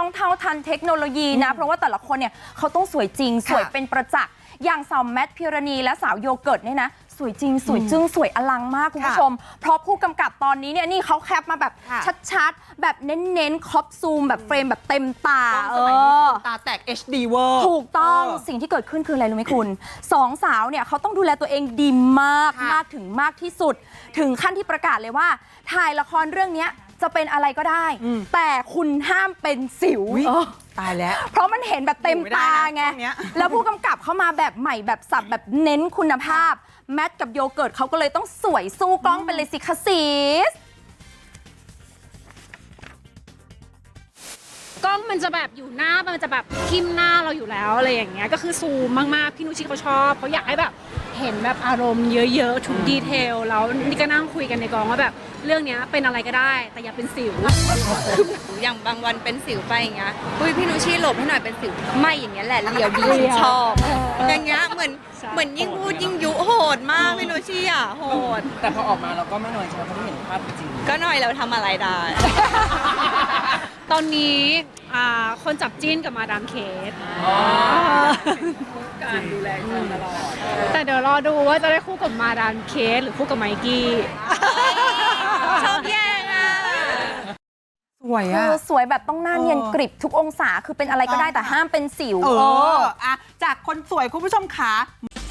ต้องเท่าทันเทคโนโลยีนะเพราะว่าแต่ละคนเนี่ยเขาต้องสวยจริงสวยเป็นประจักษ์อย่างสาวแมทพิรณีและสาวโยเกิร์ตเนี่ยนะสวยจริงสวยจึ้งสวยอลังมากคุณผู้ชมเพราะผู้กำกับตอนนี้เนี่ยนี่เขาแคปมาแบบชัดๆแบบเน้นๆครอบซูมแบบเฟรมแบบเต็มตาตาแตก HD เวอร์ถูกต้องสิ่งที่เกิดขึ้นคืออะไรรู้ไหมคุณสองสาวเนี่ยเขาต้องดูแลตัวเองดีมากถึงมากที่สุดถึงขั้นที่ประกาศเลยว่าถ่ายละครเรื่องนี้จะเป็นอะไรก็ได้แต่คุณห้ามเป็นสิวตายแล้วเพราะมันเห็นแบบเต็มตาไงแล้วผู้กำกับเข้ามาแบบใหม่แบบสับแบบเน้นคุณภาพแมทกับโยเกิร์ตเขาก็เลยต้องสวยสู้กล้องไปเลยสิคะซีสกล้องมันจะแบบอยู่หน้ามันจะแบบทิ่มหน้าเราอยู่แล้วอะไรอย่างเงี้ยก็คือซูมมากๆพี่นุชชีเขาชอบเขาอยากให้แบบเห็นแบบอารมณ์เยอะๆทุกดีเทลแล้วนี่ก็นั่งคุยกันในกองว่าแบบเรื่องนี้เป็นอะไรก็ได้แต่อย่าเป็นสิวอย่างบางวันเป็นสิวไปอย่างเงี้ยพี่นุชชีหลบให้หน่อยเป็นสิวไม่อย่างเงี้ยแหละเรียวดีชอบอย่างเงี้ยเหมือนยิ่งพูดยิ่งยุโหดมากพี่นุชชีอ่ะโหดแต่พอออกมาเราก็ไม่น้อยใจเพราะไม่เห็นภาพจริงก็หน่อยเราทำอะไรได้ตอนนี้คนจับจิ้นกับมาดามเคสการดูแลกันตลอดแต่เดี๋ยวรอดูว่าจะได้คู่กับมาดามเคสหรือคู่กับไมกี้ชอบแย่งอ่ะสวยอ่ะสวยแบบต้องหน้าเนียนกริบทุกองศาคือเป็นอะไรก็ได้แต่ห้ามเป็นสิวจากคนสวยคุณผู้ชมขา